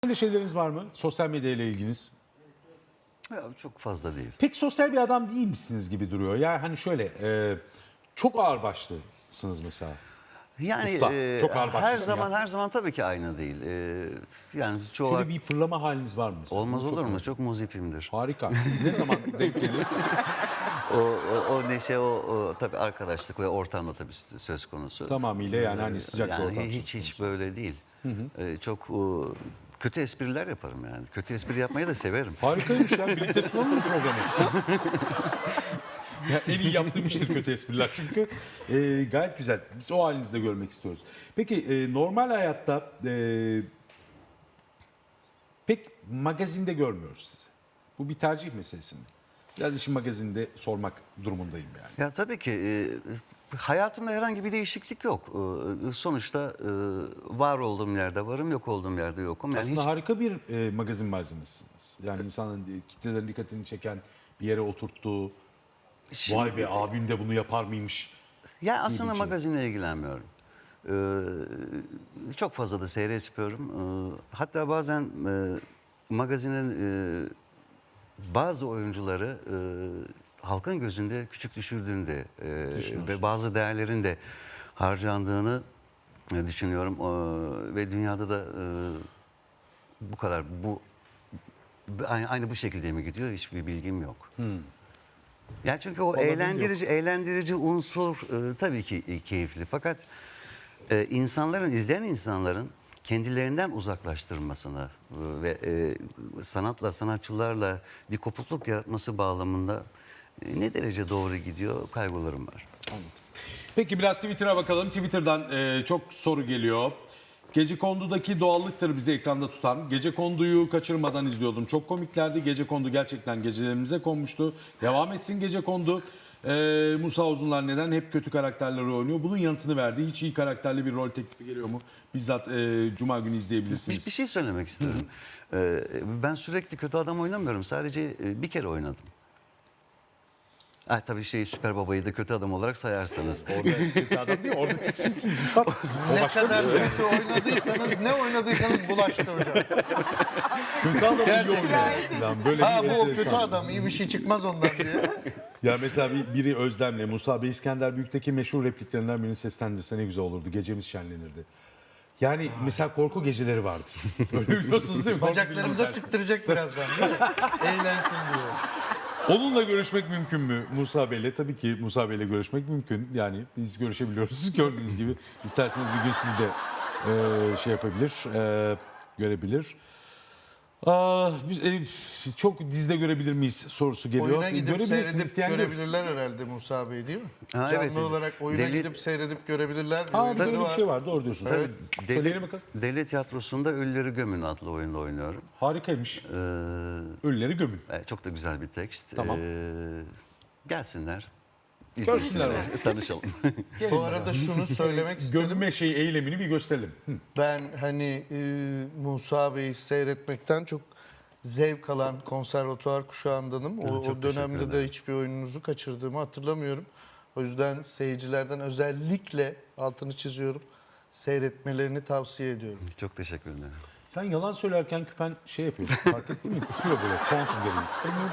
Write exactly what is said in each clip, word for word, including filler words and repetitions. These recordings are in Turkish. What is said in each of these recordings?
Böyle şeyleriniz var mı? Sosyal medyayla ilginiz? Ya, çok fazla değil. Pek sosyal bir adam değil misiniz gibi duruyor. Yani hani şöyle e, çok ağırbaşlısınız mesela. Yani Usta, e, çok her ağırbaşlısın zaman ya. her zaman tabii ki aynı değil. E, yani çoğu Şöyle bir fırlama haliniz var mı mesela? olmaz Bunu çok olur mu? merak- Çok muzipimdir. Harika. Ne zaman denk geliriz? O, o, o neşe, o, o tabii arkadaşlık ve ortamda tabii söz konusu. Tamamıyla yani hani sıcak bir Yani ortam hiç söz hiç konusu. böyle değil. E, çok o, kötü espriler yaparım yani. Kötü espri yapmayı da severim. Harikaymış ya. Birlikte sunalım mı programı? Ya en iyi yaptığım iştir kötü espriler çünkü. E, gayet güzel. Biz o halinizde görmek istiyoruz. Peki e, normal hayatta e, pek magazinde görmüyoruz sizi. Bu bir tercih meselesi mi? Biraz işin magazinde sormak durumundayım yani. Ya tabii ki e, hayatımda herhangi bir değişiklik yok. E, sonuçta e, var olduğum yerde varım, yok olduğum yerde yokum. Yani Aslında hiç harika bir e, magazin malzemesiniz. Yani insanın e, kitlelerin dikkatini çeken, bir yere oturttuğu, vay be abim de bunu yapar mıymış? Ya aslında bir şey. magazinle ilgilenmiyorum. Ee, çok fazla da seyretmiyorum. Ee, hatta bazen e, magazinin e, bazı oyuncuları e, halkın gözünde küçük düşürdüğünü de e, ve bazı değerlerin de harcandığını e, düşünüyorum. Ee, ve dünyada da e, bu kadar bu aynı, aynı bu şekilde mi gidiyor hiçbir bilgim yok. Yani çünkü o Vallahi benim de eğlendirici eğlendirici unsur e, tabii ki e, keyifli. Fakat e, insanların izleyen insanların kendilerinden uzaklaştırmasını e, ve e, sanatla sanatçılarla bir kopukluk yaratması bağlamında e, ne derece doğru gidiyor kaygılarım var. Anladım. Peki biraz Twitter'a bakalım. Twitter'dan e, çok soru geliyor. Gecekondu'daki doğallıktır bizi ekranda tutan. Gecekondu'yu kaçırmadan izliyordum. Çok komiklerdi. Gecekondu gerçekten gecelerimize konmuştu. Devam etsin Gecekondu. E, Musa Uzunlar neden hep kötü karakterleri oynuyor? Bunun yanıtını verdi. Hiç iyi karakterli bir rol teklifi geliyor mu? Bizzat e, Cuma günü Bir, izleyebilirsiniz. bir şey söylemek istiyorum. E, ben sürekli kötü adam oynamıyorum. Sadece e, bir kere oynadım. Ha, tabii şey Süper Baba'yı da kötü adam olarak sayarsanız. Orada kötü adam değil, orada tiksiniz üstad. O Ne başka bir kadar şey. kötü oynadıysanız, ne oynadıysanız bulaştı hocam. Kötü adam iyi Gerçekten. oynuyor. Falan. Böyle Ha bir bu o enteresan. kötü adam, iyi bir şey çıkmaz ondan diye. Ya mesela bir- biri Özlem'le Musa Bey İskender Büyük'teki meşhur repliklerinden birini seslendirse ne güzel olurdu. Gecemiz şenlenirdi. Yani mesela korku geceleri vardır. Öyle biliyorsunuz değil mi? Korku Bacaklarımıza filmi sıktıracak birazdan değil mi? Eğlensin diyor. Onunla görüşmek mümkün mü Musa Bey'le? Tabii ki Musa Bey'le görüşmek mümkün. Yani biz görüşebiliyoruz gördüğünüz gibi. İsterseniz bir gün siz de e, şey yapabilir, e, görebilir. Aa, biz, e, çok dizide görebilir miyiz sorusu geliyor. Oyuna gidip Görebilirsiniz, seyredip isteyen gör- görebilirler herhalde Musa Bey değil mi? Ha, Canlı evet. olarak oyuna Deli- gidip seyredip görebilirler. Aa, Oyunları böyle bir var. şey var, doğru diyorsunuz. Evet. Tabii. Söyleyelim bakalım. Devlet Tiyatrosu'nda Ölüleri Gömün adlı oyunda oynuyorum. Harikaymış. Ee, Ölüleri gömün. e, çok da güzel bir tekst. Tamam. Ee, gelsinler. Görsünler izlesinler, tanışalım. Gelin Bu bakalım. arada şunu söylemek istedim. Gömme şeyi eylemini bir gösterelim. Hı. Ben hani e, Musa Bey'i seyretmekten çok zevk alan konservatuvar kuşağındanım. O, çok o teşekkür dönemde de ederim. hiçbir oyununuzu kaçırdığımı hatırlamıyorum. O yüzden seyircilerden özellikle altını çiziyorum. Seyretmelerini tavsiye ediyorum. Çok teşekkür ederim. Sen yalan söylerken küpen şey yapıyor. Fark ettin mi? Titriyor böyle. Kuantum gerilim.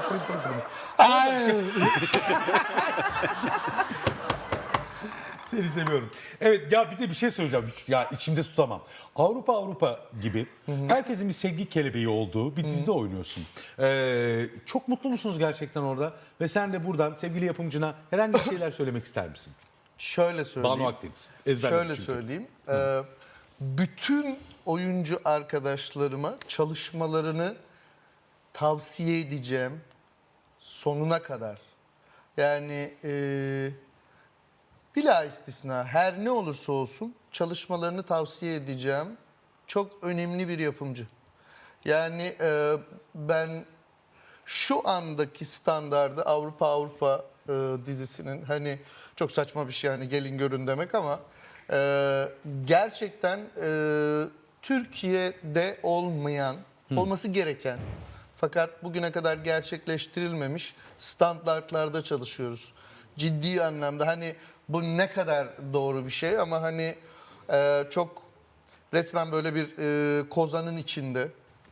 Seni seviyorum. Evet ya bir de bir şey söyleyeceğim. Ya içimde tutamam. Avrupa Avrupa gibi herkesin bir sevgi kelebeği olduğu bir dizide oynuyorsun. Ee, çok mutlu musunuz gerçekten orada? Ve sen de buradan sevgili yapımcına herhangi bir şeyler söylemek ister misin? Şöyle söyleyeyim. Banu Akdeniz. Ezberledim Şöyle çünkü. söyleyeyim. Ee, bütün oyuncu arkadaşlarıma çalışmalarını tavsiye edeceğim sonuna kadar. Yani e, bila istisna her ne olursa olsun çalışmalarını tavsiye edeceğim. Çok önemli bir yapımcı. Yani e, ben şu andaki standardı Avrupa Avrupa e, dizisinin hani çok saçma bir şey yani gelin görün demek ama e, gerçekten e, Türkiye'de olmayan, olması gereken fakat bugüne kadar gerçekleştirilmemiş standartlarda çalışıyoruz. Ciddi anlamda hani bu ne kadar doğru bir şey ama hani e, çok resmen böyle bir e, kozanın içinde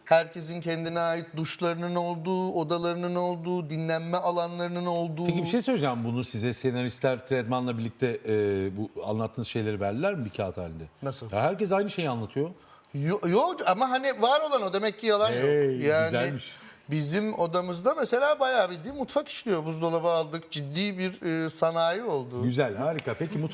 Herkesin kendine ait duşlarının olduğu, odalarının olduğu, dinlenme alanlarının olduğu. Peki bir şey söyleyeceğim, bunu size senaristler Tredman'la birlikte e, bu anlattığınız şeyleri verdiler mi bir kağıt halinde? Nasıl? Ya herkes aynı şeyi anlatıyor. Yok yo, ama hani var olan o demek ki yalan Hey, yok. Yani güzelmiş. bizim odamızda mesela bayağı bildiğin mutfak işliyor. Buzdolabı aldık. Ciddi bir e, sanayi oldu. Güzel, harika. Peki mutfak